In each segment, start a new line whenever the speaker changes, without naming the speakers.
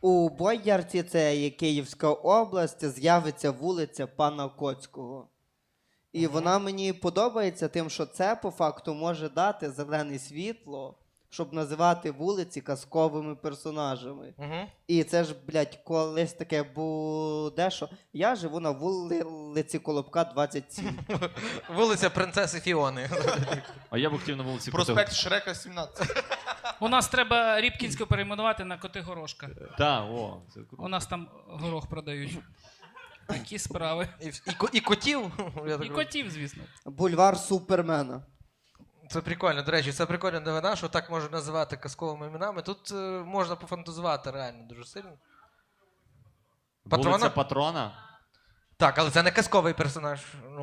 У Боярці, це є Київська область, з'явиться вулиця Пана Коцького. І вона мені подобається тим, що це по факту може дати зелене світло, щоб називати вулиці казковими персонажами. І це ж, блядь, колись таке буде, що я живу на вулиці Колобка, 27.
Вулиця Принцеси Фіони.
А я б хотів на вулиці
Проспект Шрека, 17.
У нас треба Рібкінську перейменувати на Коти-Горошка.
Так, о. Це
У нас там горох продають. Такі справи.
І котів. Я так
І котів, звісно.
Бульвар Супермена.
Це прикольно, до речі, це прикольна новина, що так можна називати казковими іменами. Тут можна пофантазувати реально дуже сильно.
Вулиця Патрона?
Так, але це не казковий персонаж.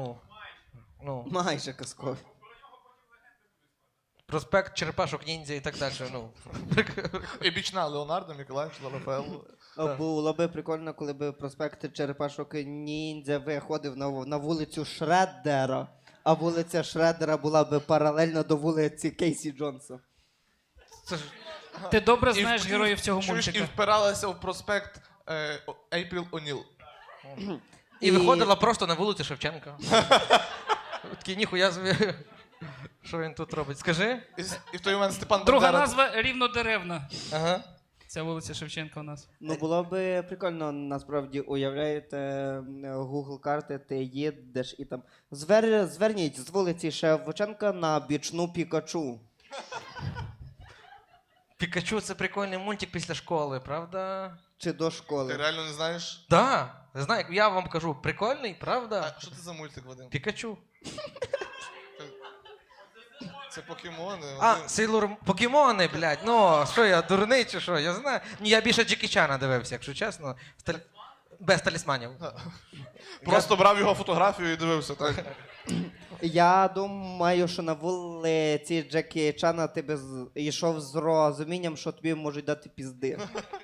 Майже казковий.
Проспект Черепашок Ніндзя і так далі.
І бічна Леонардо, Мікеланджело, Рафаелло.
Було би прикольно, коли б проспект Черепашок Ніндзя виходив на вулицю Шреддера, а вулиця Шреддера була б паралельно до вулиці Кейсі Джонса.
Це ж...
Ти добре знаєш героїв цього
І
мультика.
впиралася в проспект Ейпріл О'Ніл.
І виходила просто на вулицю Шевченка. Такий, ніхуя собі. Що він тут робить? Скажи.
І в той момент Степан
Друга
Бандера...
назва Рівнодеревна.
Ага.
Ця вулиця Шевченка у нас.
Ну, було б прикольно, насправді, уявляєте, Google карти, ти їдеш і там зверніть з вулиці Шевченка на бічну Пікачу.
Пікачу — це прикольний мультик після школи, правда?
Чи до
Ти
школи.
реально не знаєш?
Да. Знаю, я вам кажу, прикольний, правда?
А що це за мультик, Вадим?
Пікачу.
Це покемони.
А, Сейлор... Покемони, блядь. Ну, що я, дурний чи що? Я знаю. Ні, я більше Джекі Чана дивився, якщо чесно. Без талісманів.
Просто брав його фотографію і дивився, так?
Я думаю, що на вулиці Джекі Чана ти би йшов з розумінням, що тобі можуть дати пізди.